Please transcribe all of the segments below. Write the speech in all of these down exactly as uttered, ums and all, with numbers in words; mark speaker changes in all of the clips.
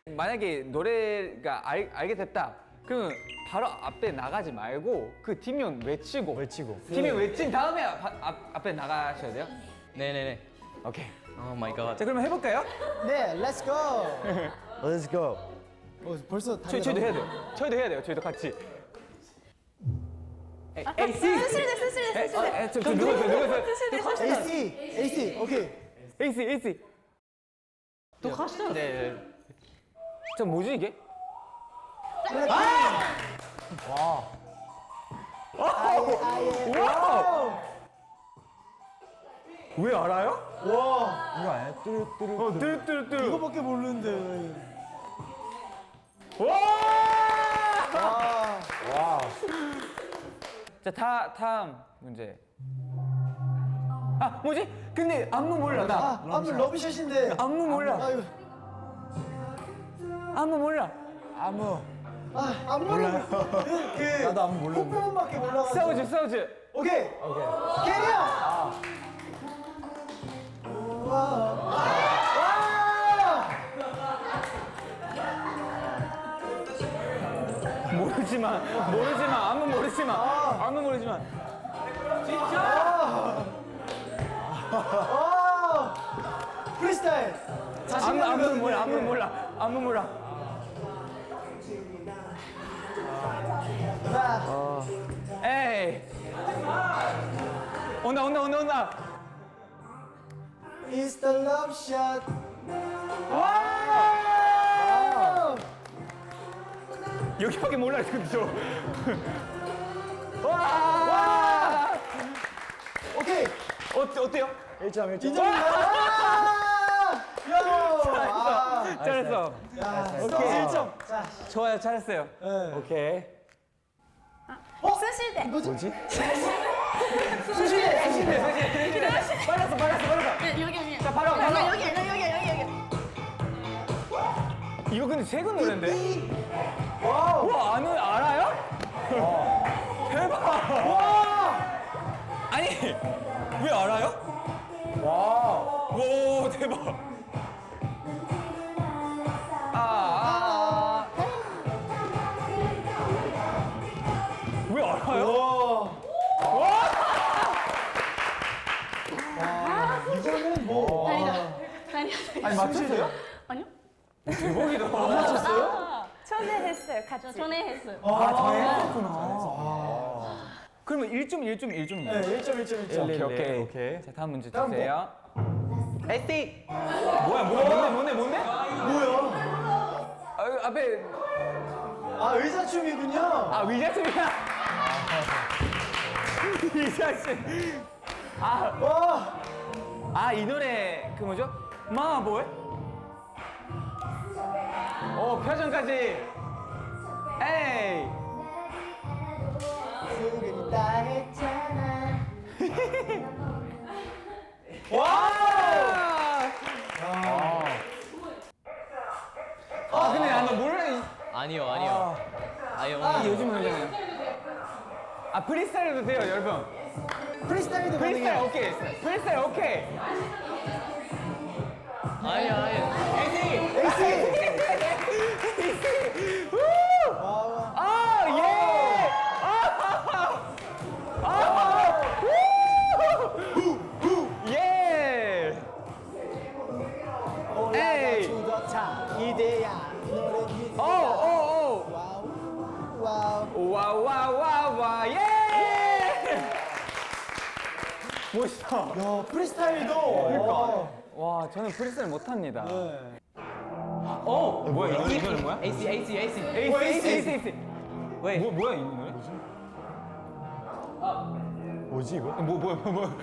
Speaker 1: 만약에 노래가 알, 알게 됐다. 그러면 바로 앞에 나가지 말고 그 팀명 외치고
Speaker 2: 외치고.
Speaker 1: 팀명 외친 다음에 앞, 앞, 앞에 나가셔야 돼요.
Speaker 3: 네네네.
Speaker 1: 오케이.
Speaker 3: 오 마이 갓.
Speaker 1: 자 그러면 해볼까요?
Speaker 4: 네, 렛츠 고.
Speaker 2: Let's go.
Speaker 4: 어, 벌써
Speaker 1: 저희, 저희도 해야 돼요. 저희도 해야 돼요. 저희도 같이. 에이,
Speaker 5: 아,
Speaker 1: 에이, 씨.
Speaker 5: 스실대 스실대 스실대.
Speaker 1: 저, 저 누구세요? 누구세요?
Speaker 5: 스실대 스실대.
Speaker 4: 에이씨, 에이씨, 오케이.
Speaker 1: 에이씨, 에이씨.
Speaker 3: 또 하시죠.
Speaker 1: 네. 저 뭐지 이게?
Speaker 4: 아예, 아예.
Speaker 1: 와! 왜 알아요?
Speaker 4: 와,
Speaker 2: 이거 아니야? 뚜루뚜루.
Speaker 1: 어, 뚜루뚜루뚜루.
Speaker 4: 이거밖에 모르는데.
Speaker 1: 와!
Speaker 4: 아,
Speaker 2: 와.
Speaker 1: 자, 다, 다음 문제. 아, 뭐지? 근데 안무 몰라, 나.
Speaker 4: 아, 안무 러브샷인데.
Speaker 1: 안무 몰라.
Speaker 4: 아유,
Speaker 1: 안무 몰라.
Speaker 2: 아무.
Speaker 4: 아, 안무를 그
Speaker 2: 나도 안무 모르는데.
Speaker 4: 폭포음밖에 몰라가지고.
Speaker 1: 싸우지, 싸우지.
Speaker 4: 오케이,
Speaker 2: 오케이.
Speaker 4: 캐리어. 와, 와.
Speaker 1: 모르지만, 모르지만, 안무 모르지만, 안무 모르지만.
Speaker 4: 와, 프리스타일.
Speaker 1: 안무,
Speaker 4: 자신감
Speaker 1: 안무
Speaker 4: 있거든요,
Speaker 1: 몰라, 안무
Speaker 4: 이게.
Speaker 1: 몰라, 안무 몰라.
Speaker 4: 자,
Speaker 1: 에이. 온다, 온다, 온다, 온다.
Speaker 4: It's the love shot.
Speaker 1: 와! 여기밖에 몰라요, 근데 저. 와! 와!
Speaker 4: 오케이.
Speaker 1: 어때, 어때요?
Speaker 2: 일 점 일 점.
Speaker 4: 인정입니다. 아, 야.
Speaker 1: 잘했어.
Speaker 4: 야,
Speaker 1: 오케이.
Speaker 4: 일 점. 자,
Speaker 1: 좋아요, 잘했어요.
Speaker 4: 네.
Speaker 1: 오케이.
Speaker 5: 스실대.
Speaker 4: 뭐지?
Speaker 2: 뭐지?
Speaker 4: 수시대, 수시대.
Speaker 1: 빨랐어, 빨랐어, 빨랐어.
Speaker 5: 네, 여기 여기.
Speaker 1: 자, 바로, 바로.
Speaker 5: 여기 여기 여기 여기 여기.
Speaker 1: 이거 근데 최근 노래인데?
Speaker 4: 와우.
Speaker 1: 와, 안, 알아요? 대박! 와! 아니, 왜 알아요?
Speaker 2: 와.
Speaker 1: 오, 대박! 아, 아, 아. 왜 알아요?
Speaker 4: 와. 이거는 뭐.
Speaker 5: 아니다. 아니야.
Speaker 1: 아니, 맞췄어요?
Speaker 5: 아니요?
Speaker 1: 대박이다.
Speaker 5: 아,
Speaker 6: 초대했어요, 같이.
Speaker 5: 저 전에 했어요.
Speaker 1: 아, 저 했었구나. 그러면 일 점, 일 점, 일 점이에요.
Speaker 4: 네, 일 점, 일 점, 일 점.
Speaker 1: 오케이, 오케이.
Speaker 2: 오케이.
Speaker 1: 자, 다음 문제
Speaker 4: 다음
Speaker 1: 주세요. 에이씨! 뭐야, 뭐야, 뭔데, 뭔데, 뭔데?
Speaker 4: 뭐야?
Speaker 1: 아, 앞에,
Speaker 4: 아, 의사춤이군요.
Speaker 1: 아, 위자춤이야? 위자춤. 아,
Speaker 4: 와.
Speaker 1: 아, 이 노래, 그 뭐죠? 마보이? 오, 표정까지. 에이.
Speaker 4: 지금 다 했잖아.
Speaker 1: 와! 아, 근데 나 몰라. 이-
Speaker 3: 아니요 아니요. 아니요.
Speaker 1: 이 요즘 노래잖아요. 아, 프리스타일도 돼요, 여러분.
Speaker 4: 프리스타일도
Speaker 1: 프리스타일
Speaker 4: 가능해요.
Speaker 1: 오케이. 프리스타일 오케이.
Speaker 3: 아니요 아니요.
Speaker 4: 에이씨. 와.
Speaker 1: 아, 예! 아! 아! 후! 예!
Speaker 4: 올라가
Speaker 1: 에이.
Speaker 4: 주더차 이대야 노래 기
Speaker 1: 오, 오,
Speaker 4: 와우 와우
Speaker 1: 오! 와, 와, 와, 와, 예! 멋있다.
Speaker 4: 야 프리스타일도 그러니까
Speaker 1: 와, 저는 프리스타일 못합니다.
Speaker 4: 네.
Speaker 1: 어? 뭐야, 이 노래는 뭐야?
Speaker 3: 에이씨 에이씨 에이씨.
Speaker 1: 에이스, 에이스, 에이스, 에이스.
Speaker 3: 왜?
Speaker 1: 뭐, 뭐야, 이 노래?
Speaker 2: 뭐지 이거?
Speaker 1: 뭐, 뭐야, 뭐, 뭐.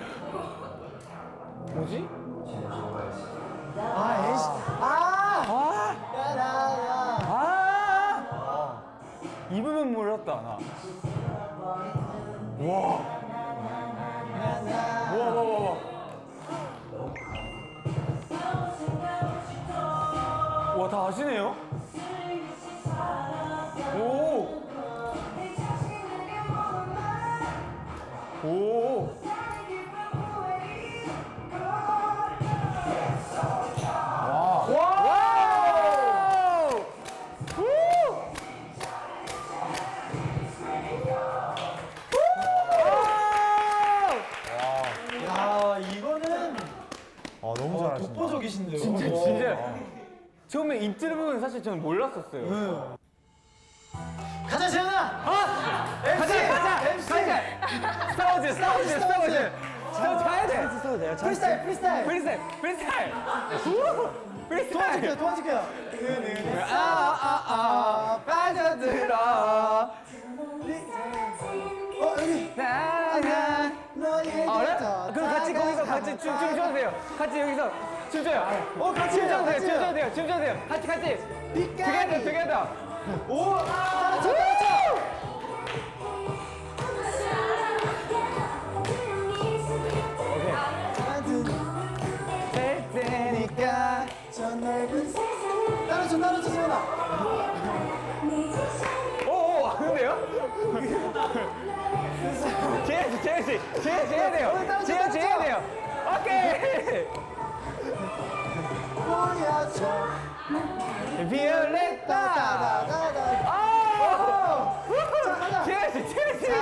Speaker 1: 뭐지?
Speaker 4: 아 에이씨 아
Speaker 1: 아!
Speaker 4: 야라라
Speaker 1: 아! 이 부분 몰랐다, 나. 와. 와, 와, 와, 와. 와, 다 아시네요? 오! 오! 와! 와!
Speaker 2: 아 너무 잘하신다.
Speaker 4: 독보적이신데요.
Speaker 1: 진짜 진짜 처음에 인트로 사실 저는 몰랐었어요.
Speaker 4: 가자 재현아.
Speaker 1: 아! 가자 가자
Speaker 4: 엠씨.
Speaker 1: 가자 싸우지 싸우지 싸우지 저 가야 돼
Speaker 2: 써도 돼요?
Speaker 4: 프리스타일 프리스타일.
Speaker 1: 프리스타일 프리스타일 후!
Speaker 4: 도와줄게요
Speaker 1: 프리스타일
Speaker 4: 도와줄게요.
Speaker 1: 아아아 빠져들어
Speaker 4: 어 여기.
Speaker 1: 나나
Speaker 4: 너에게
Speaker 1: 아 그래?
Speaker 4: 더
Speaker 1: 그럼 같이 거기서
Speaker 4: 다가가.
Speaker 1: 같이 춤 춤춰도 돼요 같이 여기서 춤춰요
Speaker 4: 어 같이 해요,
Speaker 1: 춤춰도 돼요
Speaker 4: 같이 해요.
Speaker 1: 춤춰도 돼요 춤춰도 돼요 같이 같이
Speaker 4: 빛깔이.
Speaker 1: together together
Speaker 4: 오. 따라쳐 따라쳐. 찾은
Speaker 1: 될 테니까
Speaker 4: 저 넓은 세상. 따라쳐 따라쳐 재현아.
Speaker 1: 오오 하는데요? 재현 씨 재현 씨 재현 씨 해야 돼요 재현 씨 해야 돼요 오케이
Speaker 4: 보여줘.
Speaker 1: 비올레타
Speaker 4: 따다다다.
Speaker 1: 아
Speaker 4: 자 가자.
Speaker 1: 재현 씨 재현 씨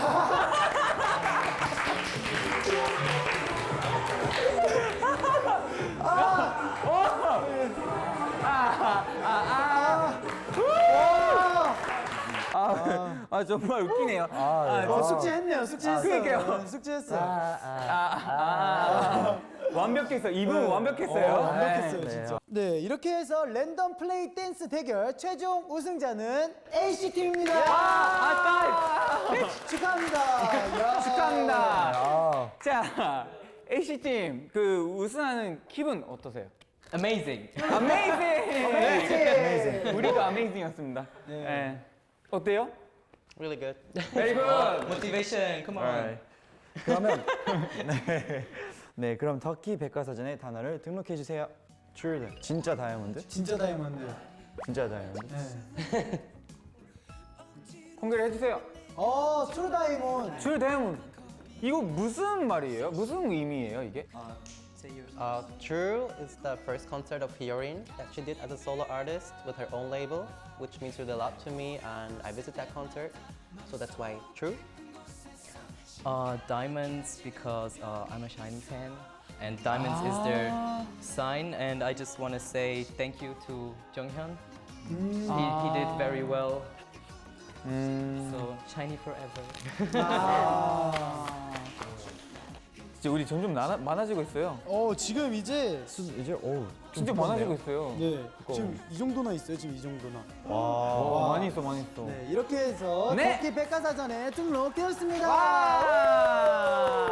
Speaker 1: 아, 아 정말 웃기네요. 아,
Speaker 4: 어, 숙제했네요. 숙제했어요.
Speaker 1: 그러니까요.
Speaker 4: 네, 숙제했어요.
Speaker 1: 아, 완벽했어. 이분 완벽했어요.
Speaker 4: 어, 완벽했어요,
Speaker 1: 네.
Speaker 4: 진짜. 네, 이렇게 해서 랜덤 플레이 댄스 대결 최종 우승자는 에이씨 팀입니다.
Speaker 1: 아,
Speaker 4: 축하합니다. 야.
Speaker 1: 축하합니다.
Speaker 2: 아,
Speaker 1: 자, 에이씨 팀 그 우승하는 기분 어떠세요?
Speaker 3: Amazing.
Speaker 1: 어메이징. 우리도 어메이징이었습니다. 네. 어때요?
Speaker 3: Really good.
Speaker 1: Very good.
Speaker 3: Motivation. Come on.
Speaker 2: alright. 그러면 네. 네, 그럼 터키 백과사전의 단어를 등록해 주세요. True, 진짜 다이아몬드?
Speaker 4: 진짜 다이아몬드.
Speaker 2: 진짜 다이아몬드.
Speaker 4: 네.
Speaker 1: 공개를 해주세요.
Speaker 4: 어, 트루 다이몬드.
Speaker 1: 줄 대문. 이거 무슨 말이에요? 무슨 의미예요 이게?
Speaker 6: Uh, True is the first concert of Hyorin that she did as a solo artist with her own label, which means really a lot to me, and I visit that concert, so that's why True.
Speaker 3: Uh, diamonds because uh, I'm a Shiny fan, and diamonds is their sign. And I just want to say thank you to Jonghyun. He, he did very well. So Shiny forever.
Speaker 1: 진짜 우리 점점 나나, 많아지고 있어요.
Speaker 4: 어, 지금 이제
Speaker 2: 이제 오,
Speaker 1: 진짜 많아지고 있어요.
Speaker 4: 네, 지금 이 정도나 있어요. 지금 이 정도나.
Speaker 1: 와, 많이 있어, 많이 있어.
Speaker 4: 네, 이렇게 해서
Speaker 1: 네.
Speaker 4: 터키 백과사전에 등록되었습니다.
Speaker 1: 와!